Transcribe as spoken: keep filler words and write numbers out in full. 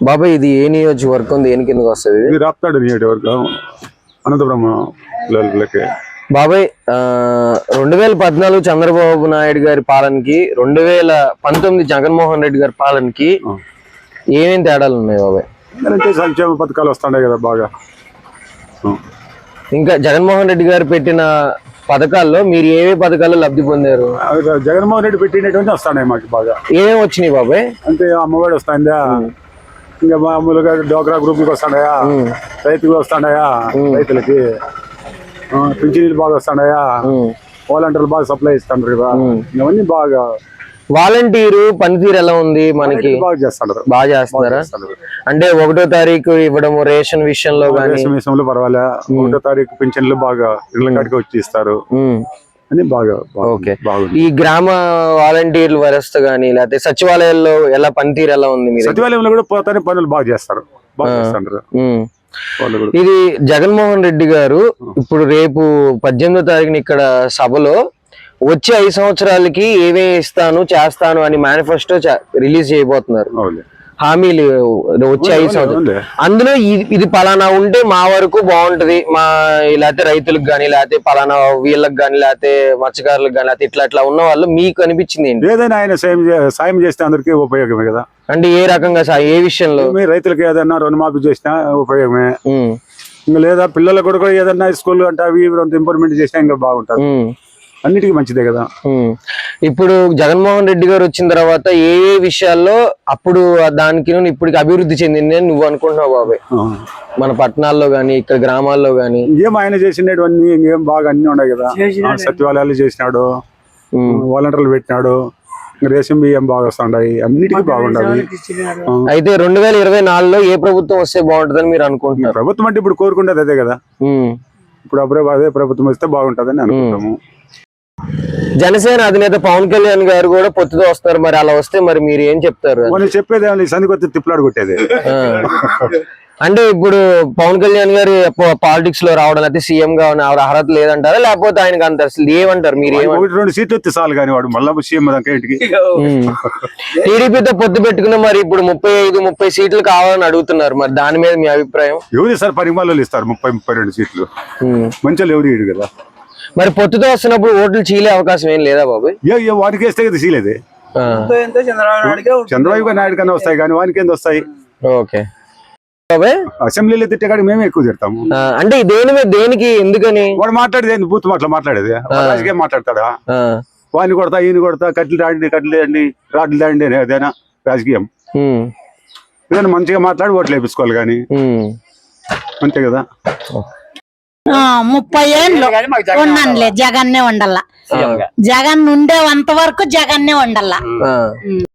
బాబాయ్ ఇది ఏ నియోజకవర్గం దేని కిందకి వస్తుంది? ఇది రాప్తాడు నియోజకవర్గం అనంతపురం పిల్లలకి. బాబాయ్ రెండు వేల పద్నాలుగు చంద్రబాబు నాయుడు గారి పాలనకి రెండు వేల పంతొమ్మిది జగన్మోహన్ రెడ్డి గారి పాలనకి ఏమేమి తేడాలు ఉన్నాయి బాబాయ్? అంటే సంక్షేమ పథకాలు వస్తున్నాయి కదా బాగా. ఇంకా జగన్మోహన్ రెడ్డి గారు పెట్టిన పథకాల్లో మీరు ఏవే పథకాలు లబ్ధి పొందారు? జగన్మోహన్ రెడ్డి పెట్టినటువంటి వస్తున్నాయి మాకు బాగా. ఏమేమి వచ్చినాయి బాబాయ్? అంటే అమ్మఒడి వస్తాయిందా, ఇంకా మామూలుగా డోక్రా గ్రూప్కి వస్తాయా, రైతులు వస్తాయా, రైతులకి పింఛనీలు బాగా వస్తాయా, వాలంటీర్లు బాగా సప్లై ఇస్తున్నారు కదా, ఇవన్నీ బాగా. వాలంటీరు పనితీరు ఎలా ఉంది మనకి? బాగా చేస్తున్నారు. బాగా చేస్తున్నారా? అంటే ఒకటో తారీఖు ఇవ్వడం రేషన్ విషయంలో రేషన్ విషయంలో పర్వాలే. ఒకటో తారీఖు పింఛన్లు బాగా ఇళ్ళ కాడికి వచ్చి ఇస్తారు అని బాగా. ఓకే. ఈ గ్రామ వాలంటీర్ల వ్యవస్థ గానీ లేకపోతే సచివాలయాల్లో ఎలా పనితీరు ఎలా ఉంది? మీరు సచివాలయంలో కూడా పోతానే పనులు బాగా చేస్తారు, బాగా చేస్తారు. ఇది జగన్మోహన్ రెడ్డి గారు ఇప్పుడు రేపు పద్దెనిమిదో తారీఖున ఇక్కడ సభలో వచ్చే ఐదు సంవత్సరాలకి ఏవే ఇస్తాను చేస్తాను అని మేనిఫెస్టో రిలీజ్ చేయబోతున్నారు. హామీలు వచ్చే ఐదు సంవత్సరాలు. అందులో ఇది పలానా ఉంటే మా వరకు బాగుంటది, మా లేకపోతే రైతులకు గానీ లేకపోతే పలానా వీళ్ళకి గానీ లేకపోతే మత్స్యకారులకు గానీ లేకపోతే ఇట్లా ఇట్లా ఉన్న వాళ్ళు మీకు అనిపించింది ఏంటి? ఏదైనా ఆయన సాయం సాయం చేస్తే అందరికీ ఉపయోగమే కదా. అంటే ఏ రకంగా ఏ విషయంలో? రైతులకు ఏదైనా రుణమాఫీ చేసినా ఉపయోగమే. ఇంకా లేదా పిల్లలకు కూడా ఏదన్నా స్కూల్ అంటే అవి ఇంప్రూవ్మెంట్ చేసినా ఇంకా బాగుంటుంది, అన్నిటికీ మంచిదే కదా. ఇప్పుడు జగన్మోహన్ రెడ్డి గారు వచ్చిన తర్వాత ఏ ఏ విషయాల్లో అప్పుడు దానికి ఇప్పటికి అభివృద్ధి చెందింది అని నువ్వు అనుకుంటున్నావు బాబాయ్? మన పట్టణాల్లో గానీ ఇక్కడ గ్రామాల్లో గానీ ఏం ఆయన చేసినవన్నీ ఏం బాగా అన్ని ఉన్నాయి కదా. సచివాలయాలు చేసినాడు, వాలంటీర్లు పెట్టినాడు, రేషన్ బియ్యం బాగా వస్తున్నాయి, అన్నిటికీ బాగుండాలి. అయితే రెండు వేల ఇరవై నాలుగులో ఏ ప్రభుత్వం వస్తే బాగుంటుందని మీరు అనుకుంటున్నారు? ప్రభుత్వం అంటే ఇప్పుడు కోరుకుంటేది అదే కదా. ఇప్పుడు అప్పుడే అదే ప్రభుత్వం వస్తే బాగుంటుందని అనుకుంటాము. జనసేన అధినేత పవన్ కళ్యాణ్ గారు కూడా పొత్తుతో వస్తారు, మరి అలా వస్తే మరి మీరు ఏం చెప్తారు? చెప్పేది సందికొత్త తిప్పలాడు కొట్టేది. అంటే ఇప్పుడు పవన్ కళ్యాణ్ గారు పాలిటిక్స్ లో రావడం అయితే సీఎం గా అర్హత లేదంటారా, లేకపోతే ఆయనకు అంత అసలు ఏమంటారు మీరు? ఒకటి రెండు సీట్లు వస్తే చాలు కానీ వాడు మళ్ళీ సీఎం ఇంటికి. టీడీపీతో పొత్తు పెట్టుకున్న మరి ఇప్పుడు ముప్పై ఐదు ముప్పై సీట్లు కావాలని అడుగుతున్నారు, మరి దాని మీద మీ అభిప్రాయం? ఎవరు సార్ పరిమాణాలు ఇస్తారు ముప్పై ముప్పై రెండు సీట్లు, మంచిగా ఎవరు ఇడు కదా. మరి పొత్తుతో వస్తున్నప్పుడు ఓట్లు చీలే అవకాశం ఏం లేదా బాబు? వానికి వేస్తే కదా చీలేదే. చంద్రబాబు నాయుడు కన్నా వస్తాయి కానీ వానికి ఏంది వస్తాయి. ఓకే. అసెంబ్లీలో తిట్టే కాడికి మేమే ఎక్కువ తిడతాము. అంటే దేని మీద దేనికి ఎందుకని? వాడు మాట్లాడేది బూత్ మాటలు మాట్లాడేది, రాజకీయం మాట్లాడతాడా? వాడిని కొడతా ఈయన కొడతా, కట్లు రాండి కట్లు తేండి రాడ్లు తేండి అదేనా రాజకీయం? ఏదైనా మంచిగా మాట్లాడి ఓట్లు వేపించుకోవాలి కానీ, అంతే కదా. ముప్పై ఏళ్ళు ఉన్నానులే, జగన్నే ఉండాల. జగన్ ఉండేంత వరకు జగన్నే ఉండాల.